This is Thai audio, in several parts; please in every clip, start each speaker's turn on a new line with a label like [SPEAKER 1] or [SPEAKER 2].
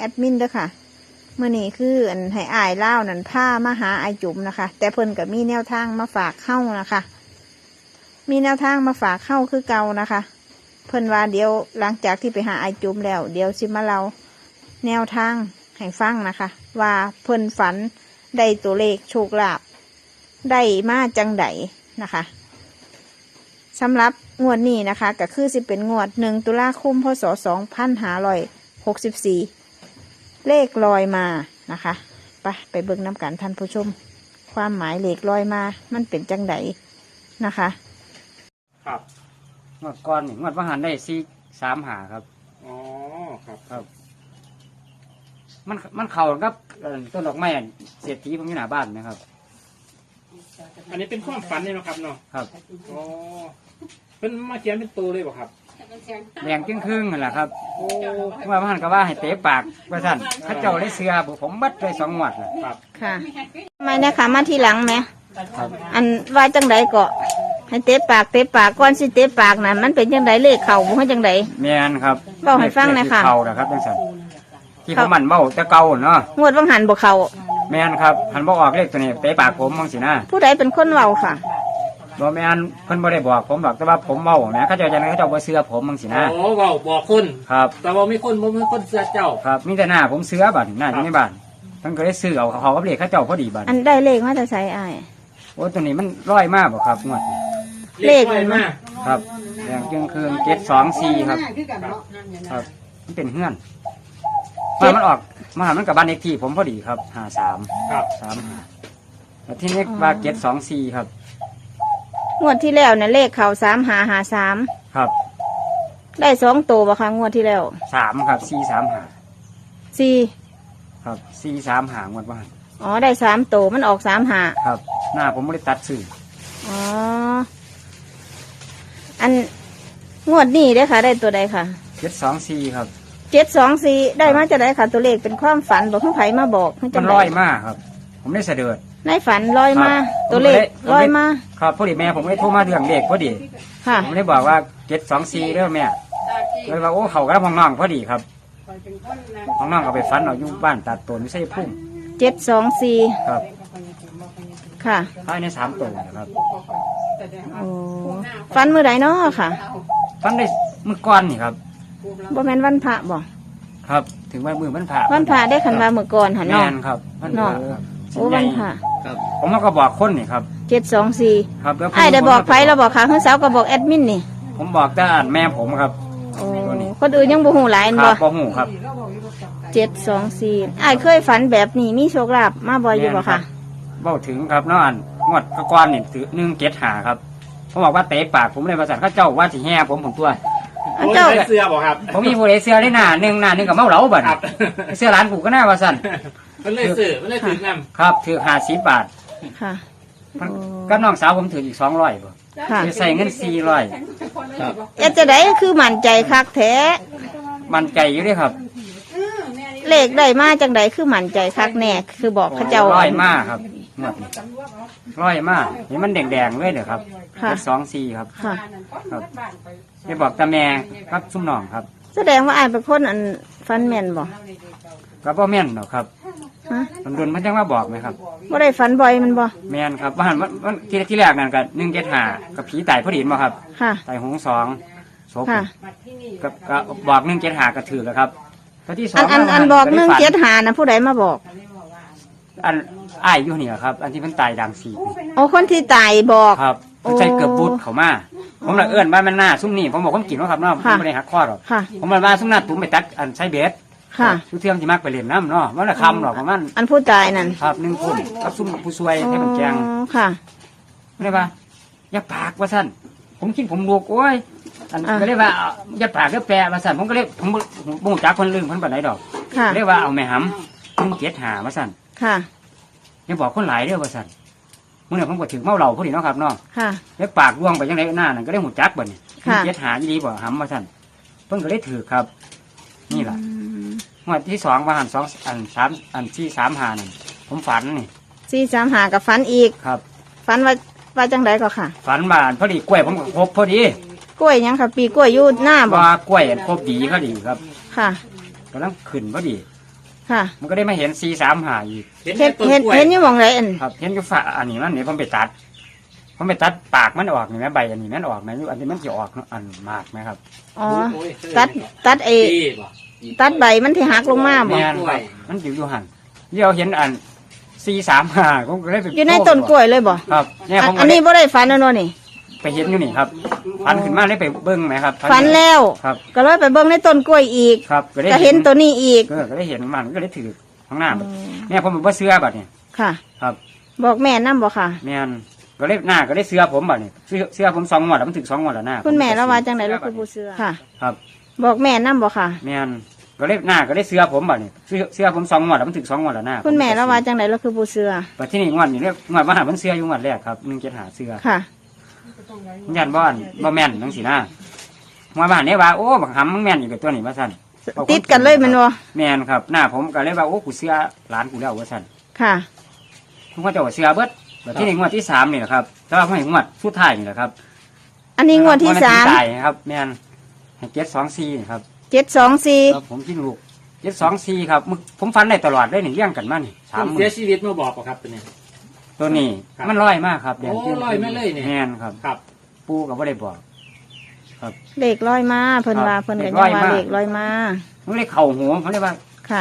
[SPEAKER 1] ดมินเด้อค่ะเมื่อนี้คืออันให้อายเล่านั่นผ้ามาหาอายจุ๋มนะคะแต่เพิ่นก็มีแนวทางมาฝากเข้านะคะมีแนวทางมาฝากเข้าคือเก่านะคะเพิ่นว่าเดี๋ยวหลังจากที่ไปหาอายจุ๋มแล้วเดี๋ยวสิมาเล่าแนวทางให้ฟังนะคะว่าเพิ่นฝันได้ตัวเลขโชคลาภได้มาจังไดนะคะสำหรับงวดนี้นะคะก็คือสิเป็นงวด1 ตุลาคม พ.ศ. 2564เลขลอยมานะคะไปเบิ่งน้ำกันท่านผู้ชมความหมายเลขลอยมามันเป็นจังไดนะคะ
[SPEAKER 2] ครับงวดก่อนงวดว่าหันได้4-3 หาครับ
[SPEAKER 3] อ๋อครับ
[SPEAKER 2] มันเข่ากับต้นดอกไม้เศรษฐีผมอยู่หน้าบ้านนะครับ
[SPEAKER 3] อันนี้เป็นความฝันเลยเนาะครับเนาะ
[SPEAKER 2] ครับ
[SPEAKER 3] อ๋อเป็นมาเขียนเป็นตัวเลยบ่ครับ
[SPEAKER 2] แดงครึ่งนั่นแหละครับโอ้ว่าหันก็ว่าให้เตะปากว่าสั่นพระเจ้าได้เสือผมบัดได้2 งวดเลย
[SPEAKER 3] ครับ
[SPEAKER 1] ค่ะไม่นะคะมาทีหลังไหม
[SPEAKER 2] ครับ
[SPEAKER 1] อันว่าจังไดก็ให้เตะปากก่อนสิเตะปากนะมันเป็นจังไดเลขเข่าบ่ให้จังได
[SPEAKER 2] แม่นครับ
[SPEAKER 1] เว้าให้ฟังหน่อยค่ะ
[SPEAKER 2] เข่านะครับจังซั่นที่ผมมันเบ้าแต่เก่าเนาะ
[SPEAKER 1] งวดวังหันบ่เข่า
[SPEAKER 2] แม่นครับหันบ่ออกเลขตัวนี้เตะปากผมมองสินะ
[SPEAKER 1] ผู้ใดเป็นคนเว้าค่ะ
[SPEAKER 2] บ่แม่นเพิ่นบ่ได้บอกผมหรอกแต่ว่าผมเว้านะเขาเจ้าจังได๋เขาเจ้าบ่เชื่อผมมองสินะ
[SPEAKER 3] โอ้เว้าบอกคน
[SPEAKER 2] ครับ
[SPEAKER 3] แต่ว่ามีคนบ่มีคนเชื่อเจ้า
[SPEAKER 2] ครับมีแต่หน้าผมเชื่อบัดหน้าอยู่ในบ้านเพิ่นก็ได้ซื้อเอาเขากับเลขเขาเจ้าพอดีบัด
[SPEAKER 1] อันได้เลขมาแต่ไสอ้าย
[SPEAKER 2] โอ้ตัวนี้มันร้อยมากบ่ครับงวด
[SPEAKER 1] เลขมันมา
[SPEAKER 2] ครับแดงจึงคืน724ครับครับมันเป็นเฮือนว่ามันออกมาหามันกับบ้านเลขที่ผมพอดีครับ53
[SPEAKER 3] ครับ
[SPEAKER 2] 35แล้วที่นี้ว่า724ครับ
[SPEAKER 1] งวดที่แล้วเนี่ยเลขเข่า3553
[SPEAKER 2] ครับ
[SPEAKER 1] ได้2 ตัวบ่คะงวดที่แล้ว
[SPEAKER 2] 3ครับ
[SPEAKER 1] 4
[SPEAKER 2] ครับ435งวดว่า
[SPEAKER 1] อ๋อได้3 ตัวมันออก35
[SPEAKER 2] ครับหน้าผมไม่ได้ตัดซื้อ
[SPEAKER 1] อ๋ออันงวดนี้ได้ค่ะได้ตัวใดค่ะ
[SPEAKER 2] 724ครับ
[SPEAKER 1] 724ได้มาจากไหนค่ะตัวเลขเป็นความฝันบอกผู้ไผมาบอก
[SPEAKER 2] มันลอยมากครับผมได้เสด็จ
[SPEAKER 1] ในฝันลอยมาตัวเลขลอยมา
[SPEAKER 2] ครับพอดีแม่ผมได้โทรมาเรื่องเลขพอดี
[SPEAKER 1] ค่ะ
[SPEAKER 2] ผมได้บอกว่า724เด้อแม่เลยว่าโอ้เขากับห้องน้องพอดีครับห้องน้องก็ไปฝันเอาอยู่บ้านตัดต้นไม่ใช่พุ่ม
[SPEAKER 1] 724
[SPEAKER 2] ครับ
[SPEAKER 1] ค่ะ
[SPEAKER 2] ภายใน3 ตัวนะครับ
[SPEAKER 1] โอ้ฝันเมื่อไหร่เนาะค่ะ
[SPEAKER 2] ฝันได้เมื่อก่อนนี่ครับ
[SPEAKER 1] บ่แม่นวันพระบ่
[SPEAKER 2] ครับถึงวันมื้อวันพระ
[SPEAKER 1] ได้ขันว่าเมื่อก่อนหันเนาะ
[SPEAKER 2] แม่นครับวันพระ
[SPEAKER 1] โอ้วันพระ
[SPEAKER 2] ครับผมก็บอกคนนี่ครับ
[SPEAKER 1] 724
[SPEAKER 2] ครับ
[SPEAKER 1] ไอ้ได้บอกไผเราบอกค่ะเฮือสาวก็บอกแอดมินนี่
[SPEAKER 2] ผมบอกแต่แม่ผมครับ
[SPEAKER 1] โอ้คนอื่นยังบ่ฮู้หลายบ่
[SPEAKER 2] บ่ฮู้ครับ
[SPEAKER 1] 724ไอ้เคยฝันแบบนี้มีโชคลาภมาบ่อยอยู่บ่ค่ะ
[SPEAKER 2] เว้าถึงครับเนาะอันงวดก่อนนี่ถือ175ครับผมบอกว่าเตะปากผมเลยว่าสั่นเขาเจ้าว่าสิแห่ผมตัว
[SPEAKER 3] เจ้าเสื้อบ่ครับ
[SPEAKER 2] ผมมีผู้ใดเสื้อได้หน้าหนึ่งกับเมาเหลาบัดเสื้อร้านกูก็น่าว่าสั่น
[SPEAKER 3] มันเลยซื้อมันเลยถือน
[SPEAKER 2] ำครับถือ50 บาท
[SPEAKER 1] ค่ะ
[SPEAKER 2] ก็น้องสาวผมถืออีก200บ่ใส่เงิน400
[SPEAKER 1] ครับจะได้คือมั่นใจคักแท้
[SPEAKER 2] มั่นใจอยู่ด้วยครับ
[SPEAKER 1] เลขได้มาจังไดคือมั่นใจคักแน่คือบอกเขาเจ้า
[SPEAKER 2] ร้อยมากครับงวดนี้ร้อยมากเห็นมันแดงๆเลยเด้อครับ24ครับครับได้บอกตาแม่ครับซุ่มน้องครับ
[SPEAKER 1] แสดงว่าอ้ายเป็นคนอันฟันแม่นบ่
[SPEAKER 2] ก็บ่แม่นหรอกครับมันโดนมันจังว่าบอกไหมครับ
[SPEAKER 1] บ่ได้ฝันบ่อยมันบ่
[SPEAKER 2] แม่นครับว่ามันที่แรกนั่นก็175กับผีตายพอดีบ่ครับตายหง2ศพก็บอก175ก็ถือแล้วครับที่2
[SPEAKER 1] อันบอก175น่ะผู้ใดมาบอก
[SPEAKER 2] อันอ้ายอยู่นี่ครับอันที่มันตายดัง4
[SPEAKER 1] โอ้คนที่ตายบอก
[SPEAKER 2] ครับใช้เกือบบุดเข้ามาผมละเอื้อนบ้านมันหน้าซุ่มนี่ผมบอกผมกินว่าครับเนาะผมไม่ได้หักข้อหรอกผมมาซุ่มหน้าตุ้มไปตัดอันใช้เบสทุกเที่ยงที่มักไปเล่นน้ำเนาะมันละคำหรอกประมาณ
[SPEAKER 1] อันผู้ตายนั่น
[SPEAKER 2] ครับ1 คนกับซุ่มผู้ช่วยให้มันแกง
[SPEAKER 1] ค่ะ
[SPEAKER 2] ไม่ได้ป่ะอย่าปากว่าสั้นผมคิดผมลูกโอ้ยอันก็เรียกว่าอย่าปากก็แปรว่าสั้นผมก็เรียกผมบุ้งจักคนลืมคนแบบไหนดอกเรียกว่าเอาแม่หำ175ว่าสั้นอย่าบอกคนหลายเรื่องว่าสั้นเมื่อผมก็ถึงเมาเหล่าพอดีเนาะครับเนาะแล้วปากร่วงไปยังไงหน้านั่นก็ได้หูจักบ่เนี่ย175ดีบ่หำว่าสั้นเพิ่งก็ได้ถือครับนี่แหละงวดที่2มาหัน2อัน3อันที่3หานั่นผมฝันนี่
[SPEAKER 1] 435กับฝันอีก
[SPEAKER 2] ครับ
[SPEAKER 1] ฝันว่าจังไดก็ค่ะ
[SPEAKER 2] ฝันมาพอดีกล้วยผมก็ครบพอดี
[SPEAKER 1] กล้วยยังค่ะปีกล้วยอยู่หน้าบ่
[SPEAKER 2] กล้วยครบดีก็ดีครับ
[SPEAKER 1] ค่ะ
[SPEAKER 2] กำลังขึ้นพอดี
[SPEAKER 1] ค่ะ
[SPEAKER 2] มันก็ได้มาเห็น435อีก
[SPEAKER 1] เห็นอยู่หมองไรอัน
[SPEAKER 2] ครับเห็นอยู่ฝาอันนี้มันนี่ผมไปตัดปากมันออกนี่แม่ใบอันนี้มันออกไหมอยู่อันนี้มันจะออกอันมากไหมครับ
[SPEAKER 1] อ๋อตัดตัดใบมันที่หักลงมาบ่
[SPEAKER 2] แม่นครับมันอยู่หันเดี๋ยวเห็นอัน435ผมก็เลยไป
[SPEAKER 1] อยู่ในต้นกล้วยเลยบ่
[SPEAKER 2] ครับเนี่ยผม
[SPEAKER 1] อั
[SPEAKER 2] ก็
[SPEAKER 1] น
[SPEAKER 2] เล
[SPEAKER 1] นี้
[SPEAKER 2] ย
[SPEAKER 1] บ่ได้ฝันแล้วเนาะนี่
[SPEAKER 2] ไปเห็นอยู่นี่ครับฟันขึ้นมาเลยไปเบิ้งไหมครับ
[SPEAKER 1] ฝันแล้ว
[SPEAKER 2] ครับ
[SPEAKER 1] ก็เลยไปเบิ่งในต้นกล้วยอีก
[SPEAKER 2] ครับก็ได้
[SPEAKER 1] ก็เห็นตัวนี้อีก
[SPEAKER 2] ก็ได้เห็นมันก็ได้ถือข้างหน้าเนี่ยผมบอกว่าเสื้อบัดเนี่ย
[SPEAKER 1] ค่ะ
[SPEAKER 2] ครับ
[SPEAKER 1] บอกแม่นำบ่ค่ะ
[SPEAKER 2] แม่นก็ได้หน้าก็ได้เสื้อผมบัดเนี่ยเสื้อผม2 งวดแล้วมันถึง2 งวดแล้วหน้า
[SPEAKER 1] คุณแม่แล้วว่าจังได๋ลูกคือผู้เชื่อค่ะ
[SPEAKER 2] ครับ
[SPEAKER 1] บอกแม่นำบ่ค่ะ
[SPEAKER 2] แม่นก็ได้หน้าก็ได้เสื้อผมบัดเนี่ยเสื้อผม2 งวดแล้วมันถึง2 งวดแล้วหน้า
[SPEAKER 1] คุณแม่แล้วว่าจังได๋ลูกคือผู้เชื่อ
[SPEAKER 2] บัดที่นี่งวดนี่เรียกงวดมาหามันเสื้ออยู่งวดแรกครับ175เสื้อ
[SPEAKER 1] ค่ะ
[SPEAKER 2] ยันบ่อนบ่แม่นจังซี่นะงวดมาหาเนี่ยว่าโอ้บักหำมึงแม่นอยู่กับตัวนี้ว่าซั่น
[SPEAKER 1] ติดกันเลยแมันบ่
[SPEAKER 2] แม่นครับหน้าผมก็เลยว่าโอ้กูเสื้อหลานกูแล้วว่าซั่น
[SPEAKER 1] ค่ะ
[SPEAKER 2] ผมก็จะว่าเสื้อเบิดแบบที่นี่งวดที่3นี่แหละครับแต่ว่าผมให้งวดสุดท้ายนี่แหละครับ
[SPEAKER 1] อันนี้งวดที่
[SPEAKER 2] ตายครับแม่นให้724นี่ครับ
[SPEAKER 1] 3 724
[SPEAKER 2] ครับผมกินลูก724ครับผมฟันได้ตลอดได้นี่เลี้ยงกันมานี่
[SPEAKER 3] คน
[SPEAKER 2] 3
[SPEAKER 3] เสียชีวิตมาบอกป่ะครับตัวนี้
[SPEAKER 2] ตัวนี้
[SPEAKER 3] ครับ
[SPEAKER 2] มันร้อยมากครับ
[SPEAKER 3] โอ้ร้อยมาเลยนี่
[SPEAKER 2] แม่นครับ
[SPEAKER 3] ครับ
[SPEAKER 2] ปู่ก็บ่ได้บอก
[SPEAKER 1] เลขร้อยมาเพิ่นว่า
[SPEAKER 2] ครับ
[SPEAKER 1] เพิ่นก็ยัง
[SPEAKER 2] เลขร้อย
[SPEAKER 1] ว่า
[SPEAKER 2] มา
[SPEAKER 1] เลขร้อยมา
[SPEAKER 2] ผมเลยเข้าหัวผมเลยว่า
[SPEAKER 1] ค่ะ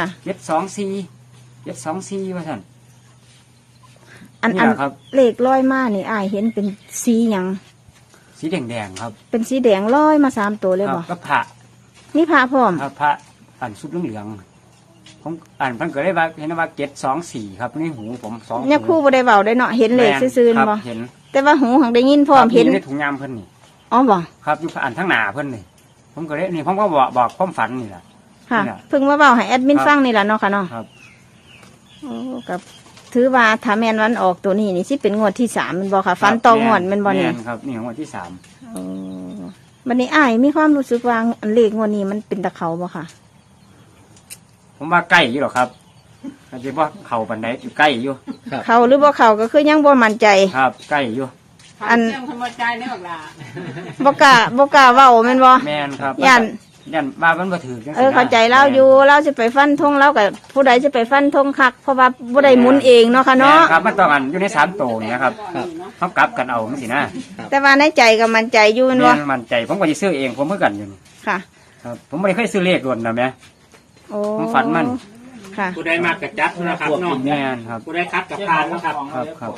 [SPEAKER 2] 724ว่าซั่น
[SPEAKER 1] อัน
[SPEAKER 2] นี่
[SPEAKER 1] อัน
[SPEAKER 2] แหละครับ
[SPEAKER 1] เลขร้อยมานี่อ้ายเห็นเป็นสีหยัง
[SPEAKER 2] สีแดงๆครับ
[SPEAKER 1] เป็นสีแดงร้อยมา3ตัวเลย
[SPEAKER 2] ครั
[SPEAKER 1] บ่
[SPEAKER 2] ก็พระ
[SPEAKER 1] นี่พระพร้อม
[SPEAKER 2] ครับพระอันสุดเหลืองๆผมอ่านเพิ่นก็เลยว่าเห็นว่า724ครับนี่หูผม2
[SPEAKER 1] เนี่ยครู่บ่ได้เว้าได้เนาะเห็นเลขซื่อ
[SPEAKER 2] ครับ
[SPEAKER 1] ๆบ่
[SPEAKER 2] เห็น
[SPEAKER 1] แต่ว่าหูหังได้ยินพร้อม
[SPEAKER 2] ครับ
[SPEAKER 1] เห็น
[SPEAKER 2] อยู่ในถุงยามเพิ่นนี่
[SPEAKER 1] อ๋อบ่
[SPEAKER 2] ครับอยู่อ่านทั้งหน้าเพิ่นนี่ผมก็เลยนี่ผมก็บอกความฝันนี่แหละ
[SPEAKER 1] ค่ะ
[SPEAKER 2] นี่แหละ
[SPEAKER 1] เพิ่งมาเว้าให้แอดมิน
[SPEAKER 2] ครับ
[SPEAKER 1] ฟังนี่ล่ะเนาะค่ะเนาะ
[SPEAKER 2] ครับ
[SPEAKER 1] โอ้กับถือว่าถ้าแม่นวันออกตัวนี้นี่สิเป็นงวดที่3แม่นบ่ค่ะฟันต่องวดแม่นบ่นี่
[SPEAKER 2] แม่ครับนี่ของวันที่3
[SPEAKER 1] โอ้บัดนี้อ้ายมีความรู้สึกว่าอันเลขงวดนี้มันเป็นตะเขาบ่ค่ะ
[SPEAKER 2] ผมว่าใกล้อยู่หรอกครับอาจจะว่าเข่าปันไดอยู่ใกล้อยู่
[SPEAKER 1] เขาหรือบ่เขาก็คือยังบ่มั่นใจ
[SPEAKER 2] ครับ ใกล้อยู่
[SPEAKER 1] อัน
[SPEAKER 4] เรื่องธรรมใจเนี่ยบอกล่ะ
[SPEAKER 1] บ่กล้าเว้าแม่นบ่
[SPEAKER 2] แม่นครับ
[SPEAKER 1] ย่าน
[SPEAKER 2] ยันว่ามันบ่ถือจัง
[SPEAKER 1] เออเข้าใจเราอยู่เราสิไปฟันธงเรากับผู้ใดจะไปฟันธงคักเพราะว่าบ่ได้หมุนเองเนาะค่ะ
[SPEAKER 2] แม่
[SPEAKER 1] เนาะ
[SPEAKER 2] นครับมันต้องอันอยู่ใน3โตนี่นะครับเขากลับกันเอาจังซี่นะ
[SPEAKER 1] แต่ว่าในใจก็มั่นใจอยู่แม่นบ่
[SPEAKER 2] แม่นมั่นใจผมก็สิซื้อเองผมเพื่อกันอยู่นี่
[SPEAKER 1] ค่ะ
[SPEAKER 2] ครับ ผมไม่ได้เคยซื้อเลขรวนนะแม่
[SPEAKER 1] โอ้
[SPEAKER 2] ผมฝันมัน
[SPEAKER 1] ค่ะ
[SPEAKER 3] ผู้ใดมากกับจัดนะครับเนาะ
[SPEAKER 2] แม่นครับ
[SPEAKER 3] ผู้ใดคัดกับพานนะครับ
[SPEAKER 2] ครับ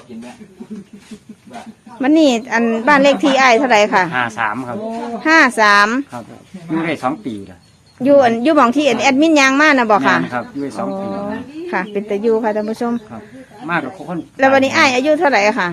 [SPEAKER 1] มันนี่อันบ้านเลขที่อ้ายเท่าไหร่ค่ะ
[SPEAKER 2] 53ครับ
[SPEAKER 1] 53
[SPEAKER 2] ครับอยู่ได้2 ปีแล้ว
[SPEAKER 1] อยู่หม่องที่แอดมินยางมานะบ่ค่ะ
[SPEAKER 2] แม่นครับอยู่ได้2 ปี
[SPEAKER 1] อ๋อค่ะ เป็นตะอยู่ค่ะท่านผู้ชม
[SPEAKER 2] ครับ มากกับคน
[SPEAKER 1] แล้ววันนี้อ้ายอายุเท่าไหร่ค่ะ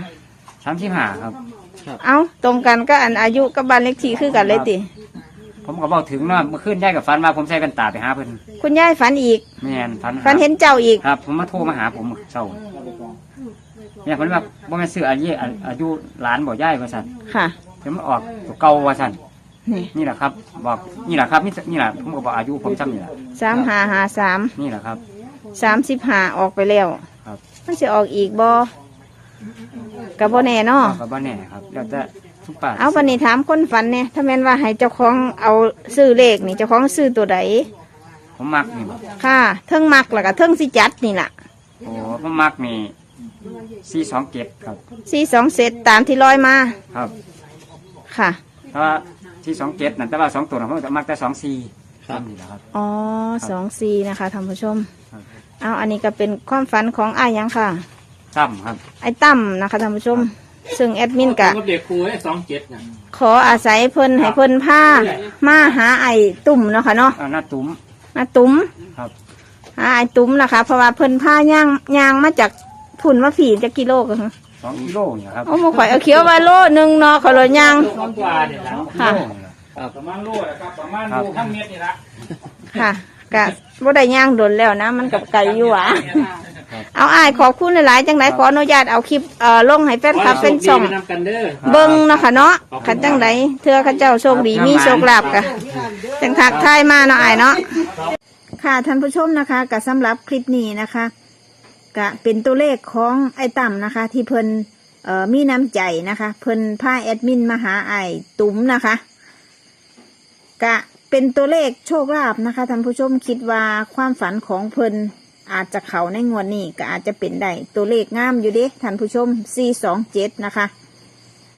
[SPEAKER 2] 35ครับ
[SPEAKER 1] เอ้าตรงกันก็อันอายุกับบ้านเลขที่คือกันเลยติ
[SPEAKER 2] ผมก็บอกถึงเนาะเมื่อคืนยายกับฟันมาผมใส่กันตาไปหาเพิ่น
[SPEAKER 1] คุณยายฝันอีก
[SPEAKER 2] แม่นฟันหา
[SPEAKER 1] ฝันเห็นเจ้าอีก
[SPEAKER 2] ครับ ผมมาโทรมาหาผมเศร้าเนี่ยเพิ่นว่าบ่แม่นซื้ออายุหลานบ่ยายว่าซั่น
[SPEAKER 1] ค่ะ
[SPEAKER 2] เดี๋ยวมันออกตัวเก่าว่าซั่น
[SPEAKER 1] นี่
[SPEAKER 2] นี่แหละครับ บอกนี่แหละครับนี่แหละผมก็บอกอายุผมซ้ำนี่แหละ
[SPEAKER 1] 3553
[SPEAKER 2] นี่แหละครับ
[SPEAKER 1] 35ออกไปแล้ว
[SPEAKER 2] ครับ
[SPEAKER 1] มันจะออกอีกบ่กับบ่แน่เนาะ
[SPEAKER 2] ก็บ่แน่ครับแล้วแต่ทุกป่า
[SPEAKER 1] เอาวันนี้ถามคนฝันเนี่ยถ้าแม่นว่าให้เจ้าของเอาซื้อเลขนี่เจ้าของซื้อตัวใด
[SPEAKER 2] ผมมักนี่บ่
[SPEAKER 1] ค่ะเทิงมักแล้วก็เทิงสิจัดนี่ล่ะ
[SPEAKER 2] โอ้ผมมักนี่427ครับ
[SPEAKER 1] 42เซตตามที่ร้อยมา
[SPEAKER 2] ครับ
[SPEAKER 1] ค่ะ
[SPEAKER 2] เพราะว่า427นั่นแต่ว่า2ตัวน่ะผมจะมักแต่24ครับนี่แหละครับ
[SPEAKER 1] อ๋อ24นะคะท่านผู้ชม
[SPEAKER 2] ครับ
[SPEAKER 1] เอาอันนี้ก็เป็นความฝันของอ้ายหยังค่ะ
[SPEAKER 2] ซ้ำครับ
[SPEAKER 1] ไอ้ตั้มนะคะท่านผู้ชม ซึ่งแอดมินกะ
[SPEAKER 3] ผมกับเด็กครูให้27นะ
[SPEAKER 1] ขออาศัยเพิ่นให้เพิ่นพามาหาไอ้ตุ่มเนาะค่ะเนาะ
[SPEAKER 2] หน้าตุ้ม
[SPEAKER 1] มาตุ้ม
[SPEAKER 2] ครับ
[SPEAKER 1] หาไอ้ตุ้มนะคะเพราะว่าเพิ่นพาย่างมาจากพุ่นมาผีจะกิโลกัน
[SPEAKER 2] 2 กิโลนี่ครับ
[SPEAKER 1] โอ้โหข่อยเอาเขียวไว้โลนึงเนาะขอยเลยย่าง
[SPEAKER 3] 2 กว่าเนี่ยนะ
[SPEAKER 1] ค่ะ
[SPEAKER 2] โลนี่ล่ะ
[SPEAKER 3] ประมาณโลนะครับประมาณโลข้างเม็ดนี่ละ
[SPEAKER 1] ค่ะกะบ่ได้ย่างโดนแล้วนะ มันกับไก่อยู่หวะเอาอ้ายขอบคุณหลายๆจังไดขออนุญาตเอาคลิปลงให้แฟนคลับเป็นช่อง
[SPEAKER 3] ขให้โชคดีไปนำกันเด้อ
[SPEAKER 1] เบิ่งเนาะค่ะเนาะขันจังไดเทื่อข้าเจ้าโชคดีมีโชคลาภกะจังทักทายมาเนาะอ้ายเนาะค่ะท่านผู้ชมนะคะกะสำหรับคลิปนี้นะคะกะเป็นตัวเลขของไอ้ต่ำนะคะ ที่เพิ่นมีน้ำใจนะคะ เพิ่นพาแอดมินมาหาไอ้ตุ๋มนะคะกะเป็นตัวเลขโชคลาภนะคะท่านผู้ชมคิดว่าความฝันของเพิ่นอาจจะเขาในงวดนี้ก็อาจจะเป็นได้ตัวเลขงามอยู่เด้ท่านผู้ชม427นะคะ